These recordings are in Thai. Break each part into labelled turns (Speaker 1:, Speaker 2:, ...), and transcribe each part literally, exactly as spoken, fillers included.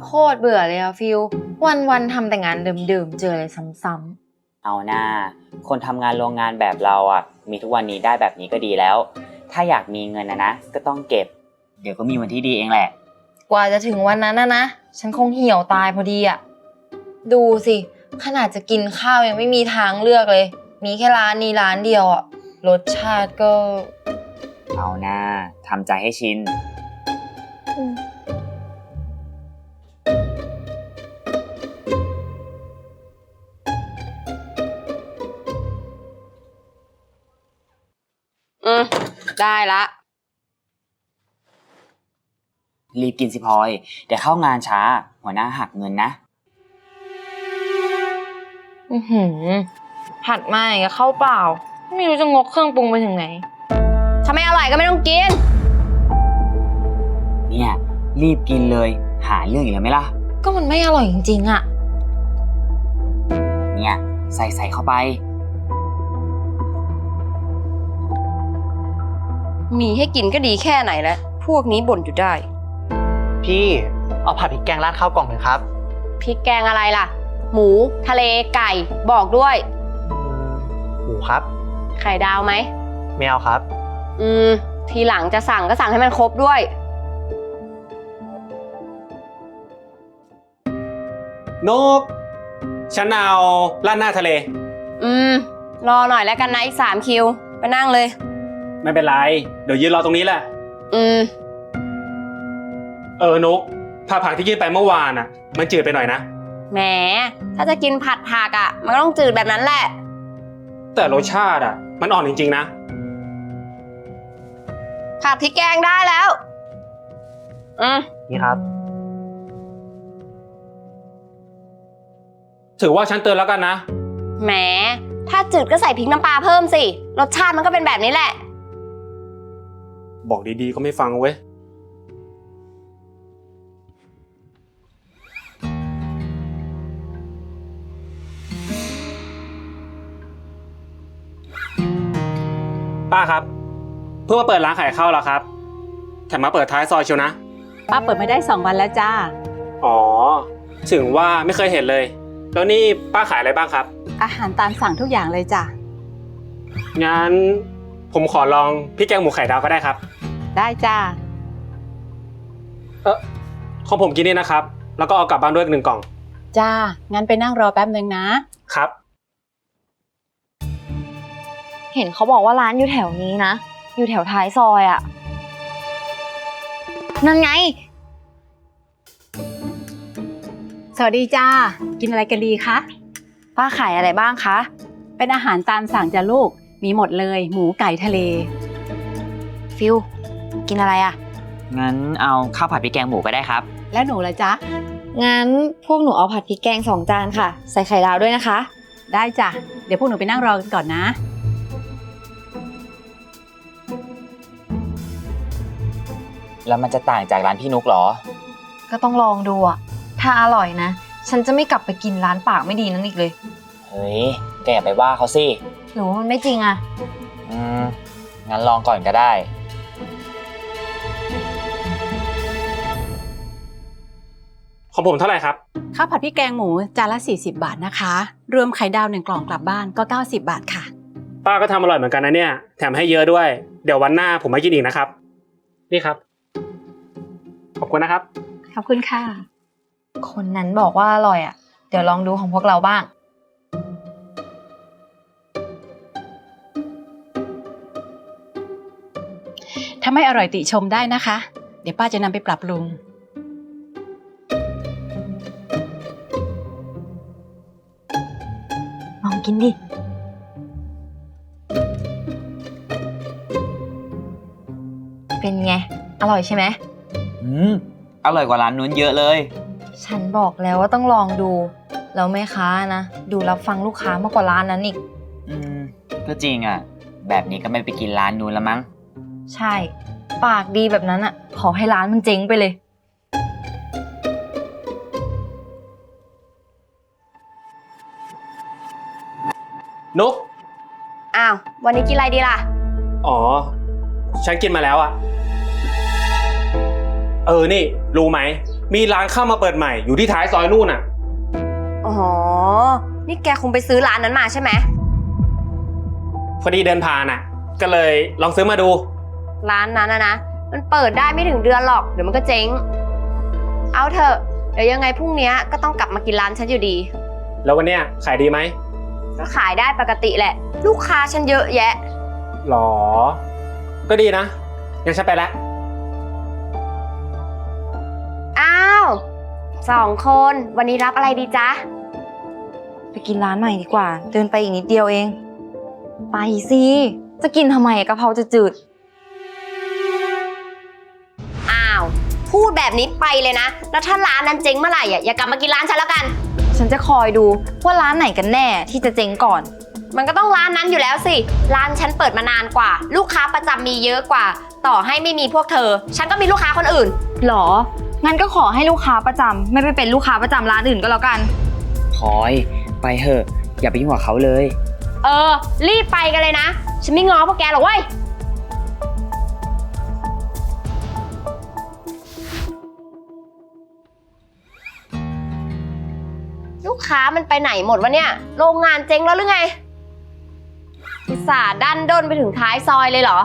Speaker 1: โคตรเบื่อเลยอะฟิลวันวันทำแต่งานเดิมๆเจออะไรซ้ำ
Speaker 2: ๆเอาหน้าคนทำงานโรงงานแบบเราอ่ะมีทุกวันนี้ได้แบบนี้ก็ดีแล้วถ้าอยากมีเงินนะนะก็ต้องเก็บเดี๋ยวก็มีวันที่ดีเองแหละ
Speaker 1: ๆกว่าจะถึงวันนั้นนะนะฉันคงเหี่ยวตายพอดีอะดูสิขนาดจะกินข้าวยังไม่มีทางเลือกเลยมีแค่ร้านนี้ร้านเดียวอะรสชาติก็
Speaker 2: เอาหน้าทำใจให้ชิน
Speaker 3: อืมได้ละ
Speaker 2: รีบกินสิพลอยเดี๋ยวเข้างานช้าหัวหน้าหักเงินนะ
Speaker 1: อือหือผัดมาอย่างกับข้าวเปล่าไม่รู้จะงกเครื่องปรุงไปถึงไหน
Speaker 3: ถ้าไม่อร่อยก็ไม่ต้องกิน
Speaker 2: เนี่ยรีบกินเลยหาเรื่องอีกแล้วไหมล่ะ
Speaker 1: ก็มันไม่อร่อยจริงๆอะ
Speaker 2: เนี่ยใส่ใส่เข้าไป
Speaker 3: มีให้กินก็ดีแค่ไหนแล้วพวกนี้บ่นอยู่ได้
Speaker 4: พี่เอาผัดพริกแกงราดข้าวกล่องหนึ่งครับ
Speaker 3: พริกแกงอะไรล่ะหมูทะเลไก่บอกด้วย
Speaker 4: หมูครับ
Speaker 3: ไข่ดาวไหม
Speaker 4: ไม่เอาครับ
Speaker 3: อืมทีหลังจะสั่งก็สั่งให้มันครบด้วย
Speaker 5: นกฉันเอาราดหน้าทะเล
Speaker 3: อืมรอหน่อยแล้วกันนะอีกสามคิวไปนั่งเลย
Speaker 5: ไม่เป็นไรเดี๋ยวยืนรอตรงนี้แหละ
Speaker 3: อืม
Speaker 5: เออนกผัดผักที่กินไปเมื่อวานอ่ะมันจืดไปหน่อยนะ
Speaker 3: แหมถ้าจะกินผัดผักอ่ะมันก็ต้องจืดแบบนั้นแหละ
Speaker 5: แต่รสชาติอ่ะมันอ่อนจริงๆนะ
Speaker 3: ผัดพริกแกงได้แล้วอืม
Speaker 4: นี่ครับ
Speaker 5: ถือว่าฉันเตือนแล้วกันนะ
Speaker 3: แหมถ้าจืดก็ใส่พริกน้ำปลาเพิ่มสิรสชาติมันก็เป็นแบบนี้แหละ
Speaker 5: บอกดีๆก็ไม่ฟังเว้ยป้าครับเพิ่งมาเปิดร้านขายข้าวแล้วครับแถมมาเปิดท้ายซอยเชียวนะ
Speaker 6: ป้าเปิดไม่ได้สองวันแล้วจ้า
Speaker 5: อ๋อถึงว่าไม่เคยเห็นเลยแล้วนี่ป้าขายอะไรบ้างครับ
Speaker 6: อาหารตามสั่งทุกอย่างเลยจ้ะ
Speaker 5: งั้นผมขอลองพริกแกงหมูไข่ดาวก็ได้ครับ
Speaker 6: ได้จ้า
Speaker 5: เออของผมกินนี่นะครับแล้วก็เอากลับบ้านด้วยหนึ่งกล่อง
Speaker 6: จ้างั้นไปนั่งรอแป๊บนึงนะครับ
Speaker 1: เห็นเขาบอกว่าร้านอยู่แถวนี้นะอยู่แถวท้ายซอยอะนั่นไง
Speaker 6: สวัสดีจ้ากินอะไรกันดีคะ
Speaker 1: ป้าขายอะไรบ้างคะ
Speaker 6: เป็นอาหารตามสั่งจ้ะลูกมีหมดเลยหมูไก่ทะเล
Speaker 1: ฟิลกินอะไรอะ
Speaker 2: งั้นเอาข้าวผัดพริกแกงหมูก็ได้ครับ
Speaker 6: แล้วหนูล่ะจ๊ะ
Speaker 1: งั้นพวกหนูเอาผัดพริกแกงสองจานค่ะใส่ไข่ดาวด้วยนะคะ
Speaker 6: ได้จ้ะเดี๋ยวพวกหนูไปนั่งรอกันก่อนนะ
Speaker 2: แล้วมันจะต่างจากร้านพี่นุกเหรอ
Speaker 1: ก็ต้องลองดูอะถ้าอร่อยนะฉันจะไม่กลับไปกินร้านปากไม่ดีนั้นอีกเลย
Speaker 2: เฮ้ยแกอย่าไปว่าเขาสิ
Speaker 1: หรือว่ามันไม่จริงอะ
Speaker 2: อืมงั้นลองก่อนก็ได้
Speaker 5: ของผมเท่าไหร่ครับ
Speaker 6: ข้าวผัดพริกแกงหมูจานละสี่สิบบาทนะคะรวมไข่ดาวหนึ่งกล่องกลับบ้านก็เก้าสิบบาทค่ะ
Speaker 5: ป้าก็ทำอร่อยเหมือนกันนะเนี่ยแถมให้เยอะด้วยเดี๋ยววันหน้าผมมากินอีกนะครับนี่ครับขอบคุณนะครับ
Speaker 6: ขอบคุณค่ะ
Speaker 1: คนนั้นบอกว่าอร่อยอ่ะเดี๋ยวลองดูของพวกเราบ้าง
Speaker 6: ถ้าไม่อร่อยติชมได้นะคะเดี๋ยวป้าจะนำไปปรับปรุง
Speaker 1: ลองกินดิเป็นไงอร่อยใช่ไหม
Speaker 2: อืมอร่อยกว่าร้านนู้นเยอะเลย
Speaker 1: ฉันบอกแล้วว่าต้องลองดูแล้วแม่ค้านะดูรับฟังลูกค้ามากกว่าร้านนั้นอีก
Speaker 2: อืมก็จริงอ่ะแบบนี้ก็ไม่ไปกินร้านนู้นแล้วมั้ง
Speaker 1: ใช่ปากดีแบบนั้นอ่ะขอให้ร้านมันเจ๊งไปเลย
Speaker 5: นก
Speaker 3: อ้าววันนี้กินอะไรดีล่ะ
Speaker 5: อ๋อฉันกินมาแล้วอ่ะเออนี่รู้ไหมมีร้านข้าวมาเปิดใหม่อยู่ที่ท้ายซอยนู่นน่ะ
Speaker 3: อ๋อ นี่แกคงไปซื้อร้านนั้นมาใช่ไหม
Speaker 5: พอดีเดินผ่านน่ะ ก็เลยลองซื้อมาดู
Speaker 3: ร้านนั้นนะนะ มันเปิดได้ไม่ถึงเดือนหรอก เดี๋ยวมันก็เจ๊ง เอาเถอะ เดี๋ยวยังไงพรุ่งนี้ก็ต้องกลับมากินร้านฉันอยู่ดี
Speaker 5: แล้ววันเนี้ยขายดีไหม
Speaker 3: ก็ขายได้ปกติแหละ ลูกค้าฉันเยอะแยะ
Speaker 5: หรอ ก็ดีนะงั้นฉันไปแล้ว
Speaker 3: อ้าวสองคนวันนี้รับอะไรดีจ๊ะ
Speaker 1: ไปกินร้านใหม่ดีกว่า เดินไปอีกนิดเดียวเอง ไปสิ จะกินทำไมกะเพราจะจืด
Speaker 3: อ้าว พูดแบบนี้ไปเลยนะ แล้วถ้าร้านนั้นเจ๊งเมื่อไหร่อ่ะอย่ากลับมากินร้านฉันแล้วกัน
Speaker 1: ฉันจะคอยดูว่าร้านไหนกันแน่ที่จะเจ๊งก่อน
Speaker 3: มันก็ต้องร้านนั้นอยู่แล้วสิ ร้านฉันเปิดมานานกว่า ลูกค้าประจำมีเยอะกว่า ต่อให้ไม่มีพวกเธอ ฉันก็มีลูกค้าคนอื่น
Speaker 1: หรอ งั้นก็ขอให้ลูกค้าประจำไม่ไปเป็นลูกค้าประจำร้านอื่นก็แล้วกัน
Speaker 2: พลอยไปเถอะอย่าไปยุ่งกับเขาเลย
Speaker 3: เออ รีบไปกันเลยนะ ฉันไม่ง้อพวกแกหรอกเว้ย ลูกค้ามันไปไหนหมดวะเนี่ย โรงงานเจ๊งแล้วหรือไงอุตส่าห์ดันด้นไปถึงท้ายซอยเลยเหรอ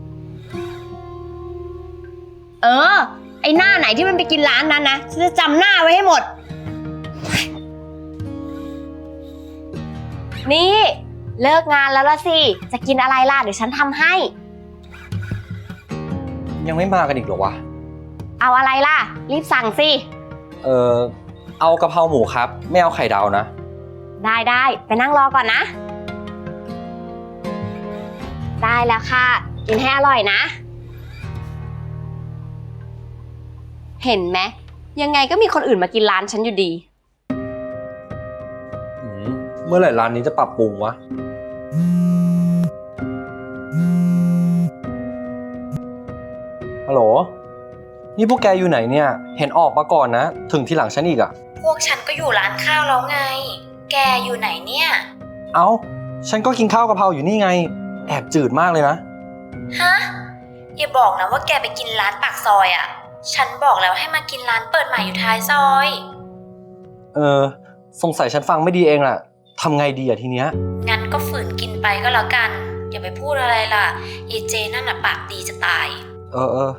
Speaker 3: เออ ไอหน้าไหนที่มันไปกินร้านนั้นนะ ฉันจะจำหน้าไว้ให้หมด นี่ เลิกงานแล้วละสิ จะกินอะไรล่ะ เดี๋ยวฉันทำให้
Speaker 7: ยังไม่มากันอีกเหรอวะ
Speaker 3: เอาอะไรล่ะ รีบสั่งสิ
Speaker 7: เออเอากะเพราหมูครับ ไม่เอาไข่ดาวนะ
Speaker 3: ได้ได้ไปนั่งรอก่อนนะ ได้แล้วค่ะ กินให้อร่อยนะ เห็นไหมยังไงก็มีคนอื่นมากินร้านฉันอยู่ดี
Speaker 7: อืมเมื่อไหร่ร้านนี้จะปรับปรุงวะ ฮัลโหล นี่พวกแกอยู่ไหนเนี่ย เห็นออกมาก่อนนะ ถึงทีหลังฉันอีกอะ
Speaker 1: พวกฉันก็อยู่ร้านข้าวแล้วไง แกอยู่ไหนเนี่ย
Speaker 7: เอ้า ฉันก็กินข้าวกะเพราอยู่นี่ไง แอบจืดมากเลยนะ
Speaker 1: ฮะ อย่าบอกนะว่าแกไปกินร้านปากซอยอ่ะ ฉันบอกแล้วให้มากินร้านเปิดใหม่อยู่ท้ายซอย
Speaker 7: เออ สงสัยฉันฟังไม่ดีเองแหละทำไงดีอะทีเนี้ย
Speaker 1: งั้นก็ฝืนกินไปก็แล้วกัน อย่าไปพูดอะไรล่ะเอเจนั่นน่ะปากดีจะตาย
Speaker 7: เออเออ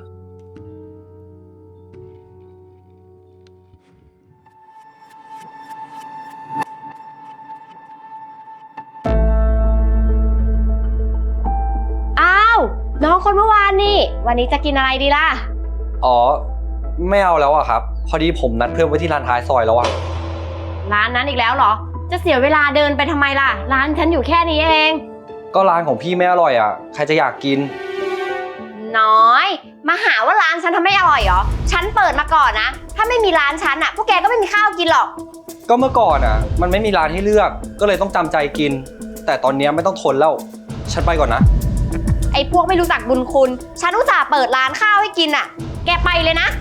Speaker 3: อ้าว น้องคนเมื่อวานนี่ วันนี้จะกินอะไรดีล่ะ
Speaker 7: อ๋อ ไม่เอาแล้วอะครับ พอดีผมนัดเพื่อนไว้ที่ร้านท้ายซอยแล้วอะ
Speaker 3: ร้านนั้นอีกแล้วเหรอ จะเสียเวลาเดินไปทำไมล่ะ ร้านฉันอยู่แค่นี้เอง
Speaker 7: ก็ร้านของพี่ไม่อร่อยอะใครจะอยากกิน
Speaker 3: น้อย มาหาว่าร้านฉันทำไม่อร่อยเหรอ ฉันเปิดมาก่อนนะ ถ้าไม่มีร้านฉันอ่ะ พวกแกก็ไม่มีข้าวกินหรอก
Speaker 7: ก็เมื่อก่อนอะมันไม่มีร้านให้เลือก ก็เลยต้องจำใจกิน แต่ตอนเนี้ยไม่ต้องทนแล้ว ฉันไปก่อนนะ
Speaker 3: ไอ้พวกไม่รู้จักบุญคุณ ฉันอุตส่าห์เปิดร้านข้าวให้กินอ่ะ แกไปเลยนะ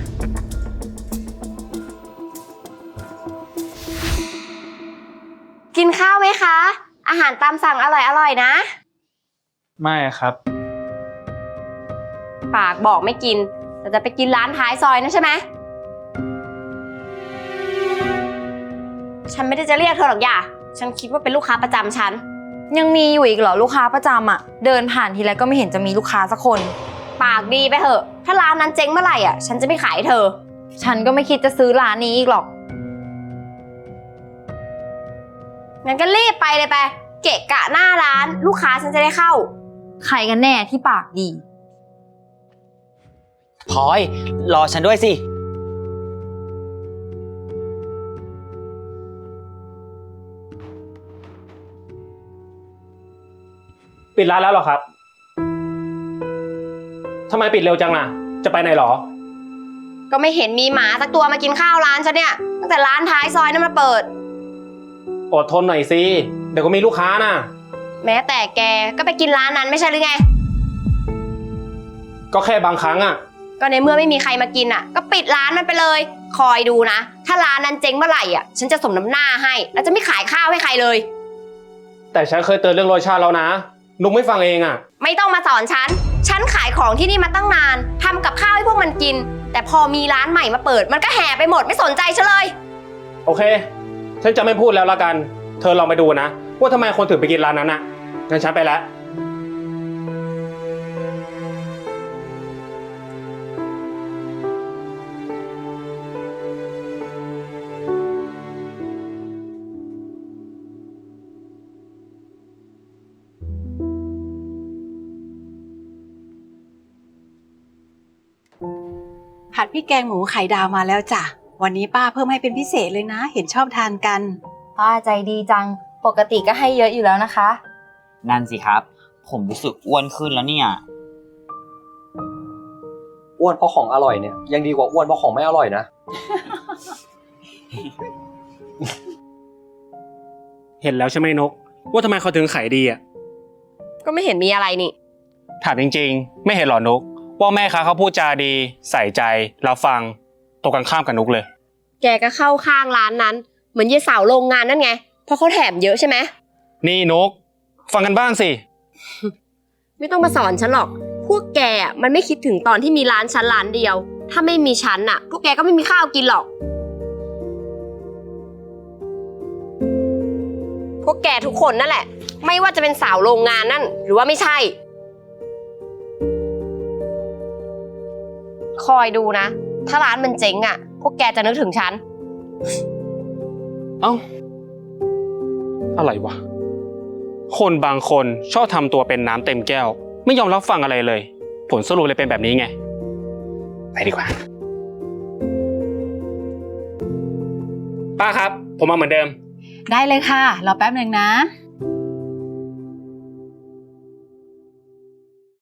Speaker 3: กินข้าวไหมคะ อาหารตามสั่งอร่อยๆนะ
Speaker 5: ไม่ครับ
Speaker 3: ปากบอกไม่กิน แต่จะไปกินร้านท้ายซอยนะใช่ไหม ฉันไม่ได้จะเรียกเธอหรอกอย่า ฉันคิดว่าเป็นลูกค้าประจำฉัน
Speaker 1: ยังมีอยู่อีกเหรอลูกค้าประจำอ่ะ เดินผ่านทีไรก็ไม่เห็นจะมีลูกค้าสักคน
Speaker 3: ปากดีไปเถอะ ถ้าร้านนั้นเจ๊งเมื่อไหร่อ่ะ ฉันจะไม่ขายให้เธอ
Speaker 1: ฉันก็ไม่คิดจะซื้อร้านนี้อีกหรอก
Speaker 3: งั้นก็รีบไปเลยไป เกะกะหน้าร้าน ลูกค้าฉันจะได้เข้า
Speaker 1: ใครกันแน่ที่ปากดี
Speaker 2: พลอยรอฉันด้วยสิ
Speaker 5: ปิดร้านแล้วเหรอครับ ทำไมปิดเร็วจังน่ะ จะไปไหนหรอ
Speaker 3: ก็ไม่เห็นมีหมาสักตัวมากินข้าวร้านฉันเนี่ย ตั้งแต่ร้านท้ายซอยนั้นมาเปิด
Speaker 5: อดทนหน่อยสิ เดี๋ยวก็มีลูกค้านะ
Speaker 3: แม้แต่แกก็ไปกินร้านนั้นไม่ใช่หรือไง
Speaker 5: ก็แค่บางครั้งอะ
Speaker 3: ก็ในเมื่อไม่มีใครมากินอ่ะ ก็ปิดร้านมันไปเลย คอยดูนะ ถ้าร้านนั้นเจ๊งเมื่อไหร่อ่ะ ฉันจะสมน้ำหน้าให้ แล้วจะไม่ขายข้าวให้ใครเลย
Speaker 5: แต่ฉันเคยเตือนเรื่องรสชาติแล้วนะ นุกไม่ฟังเองอะ
Speaker 3: ไม่ต้องมาสอนฉัน ฉันขายของที่นี่มาตั้งนานทำกับข้าวให้พวกมันกินแต่พอมีร้านใหม่มาเปิด มันก็แห่ไปหมดไม่สนใจฉันเลย
Speaker 5: โอเค ฉันจะไม่พูดแล้วละกัน เธอลองไปดูนะ ว่าทำไมคนถึงไปกินร้านนั้นน่ะงั้นฉันไปแล้ว
Speaker 6: ผัดพริกแกงหมูไข่ดาวมาแล้วจ้ะ วันนี้ป้าเพิ่มให้เป็นพิเศษเลยนะ เห็นชอบทานกัน
Speaker 1: ป้าใจดีจัง ปกติก็ให้เยอะอยู่แล้วนะคะ
Speaker 2: นั่นสิครับ ผมรู้สึกอ้วนขึ้นแล้วเนี่ย
Speaker 7: อ้วนเพราะของอร่อยเนี่ยยังดีกว่าอ้วนเพราะของไม่อร่อยนะ
Speaker 5: เห็นแล้วใช่ไหมนก ว่าทำไมเขาถึงขายดีอ่ะ
Speaker 3: ก็ไม่เห็นมีอะไรนี่
Speaker 5: ถามจริงๆ ไม่เห็นหรอนก ว่าแม่ค้าเขาพูดจาดี ใส่ใจเราฟังตรงกันข้ามกับนกเลย
Speaker 3: แกก็เข้าข้างร้านนั้น เหมือนยายสาวโรงงานนั่นไง เพราะเขาแถมเยอะใช่ไหม
Speaker 5: นี่นก ฟังกันบ้างสิ
Speaker 3: ไม่ต้องมาสอนฉันหรอก พวกแกอ่ะมันไม่คิดถึงตอนที่มีร้านฉันร้านเดียว ถ้าไม่มีฉันอ่ะ พวกแกก็ไม่มีข้าวกินหรอก พวกแกทุกคนนั่นแหละ ไม่ว่าจะเป็นสาวโรงงานนั่น หรือว่าไม่ใช่ คอยดูนะ ถ้าร้านมันเจ๊งอ่ะ พวกแกจะนึกถึงฉัน
Speaker 5: เอ้า อะไรวะ คนบางคนชอบทำตัวเป็นน้ำเต็มแก้ว ไม่ยอมรับฟังอะไรเลย ผลสรุปเลยเป็นแบบนี้ไง ไปดีกว่า ป้าครับ ผมมาเหมือนเดิม
Speaker 6: ได้เลยค่ะ รอแป๊บหนึ่งนะ